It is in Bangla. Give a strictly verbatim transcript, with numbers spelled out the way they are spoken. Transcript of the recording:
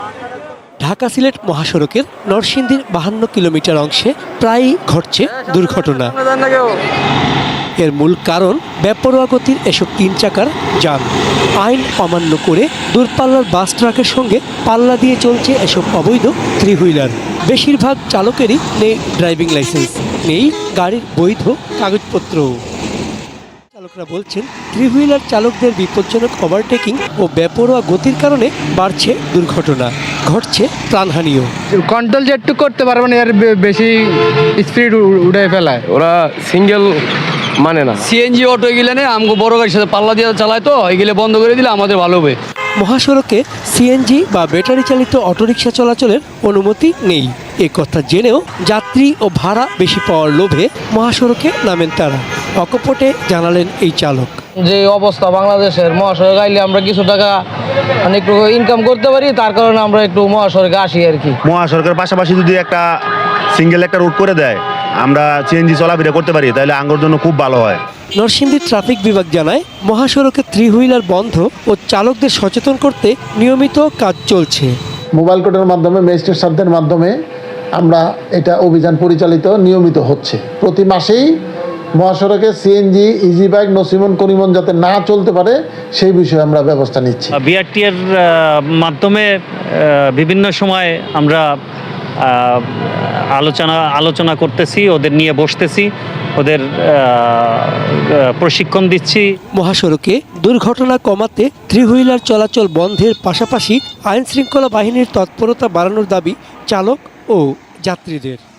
ঢাকা সিলেট মহাসড়কের নরসিংদীর বাহান্ন কিলোমিটার অংশে প্রায়ই ঘটছে দুর্ঘটনা। এর মূল কারণ বেপরোয়া গতির এসব তিন চাকার যান। আইন অমান্য করে দূরপাল্লার বাস ট্রাকের সঙ্গে পাল্লা দিয়ে চলছে এসব অবৈধ থ্রি হুইলার। বেশিরভাগ চালকেরই নেই ড্রাইভিং লাইসেন্স, নেই গাড়ির বৈধ কাগজপত্র। চালকরা বলছেন, থ্রি হুইলার চালকদের বিপজ্জনক ওভারটেকিং ও বেপরোয়া গতির কারণে বাড়ছে দুর্ঘটনা, ঘটছে প্রাণহানিও। কন্ট্রোল যেটুকু করতে পারবে না, এর বে- বেশি স্পিড উড়ে ফেলায়। ওরা সিঙ্গেল মানে না। সিএনজি অটো এগুলো নেই, আমাকে বড় গাড়ির সাথে পাল্লা দিয়ে চালায়, তো এগুলো বন্ধ করে দিলে আমাদের ভালো হবে। মহাসড়কে সিএনজি বা ব্যাটারি চালিত অটোরিকশা চলাচলের অনুমতি নেই। এ কথা জেনেও যাত্রী ও ভাড়া বেশি পাওয়ার লোভে মহাসড়কে নামেন তারা। অকপটে জানালেন এই চালক। যে অবস্থা বাংলাদেশের, মহাসড়কে আইলে আমরা কিছু টাকা মানে একটু ইনকাম করতে পারি, তার কারণে আমরা একটু মহাসড়কে আসি আর কি। মহাসড়কের পাশাপাশি যদি একটা সিঙ্গেল একটা রুট করে দেয়, আমরা সিএনজি চলাফেরা করতে পারি, তাহলে আঙ্গর জন্য খুব ভালো হয়। নরসিংদী ট্রাফিক বিভাগ জানায়, মহাসড়কে থ্রি হুইলার বন্ধ ও চালকদের সচেতন করতে নিয়মিত কাজ চলছে। মোবাইল কোর্টের মাধ্যমে, ম্যাজিস্ট্রেট সাহেবদের মাধ্যমে আমরা এটা অভিযান পরিচালিত নিয়মিত হচ্ছে। প্রতি মাসেই মহাসড়কে সিএনজি, ইজি বাইক, নসিমন করিমন যাতে না চলতে পারে সেই বিষয়ে আমরা ব্যবস্থা নিচ্ছি। বিআরটি এর মাধ্যমে বিভিন্ন সময় আমরা আলোচনা আলোচনা করতেছি, ওদের নিয়ে বসতেছি, ওদের প্রশিক্ষণ দিচ্ছি। মহাসড়কে দুর্ঘটনা কমাতে থ্রি হুইলার চলাচল বন্ধের পাশাপাশি আইন শৃঙ্খলা বাহিনীর তৎপরতা বাড়ানোর দাবি চালক ও যাত্রীদের।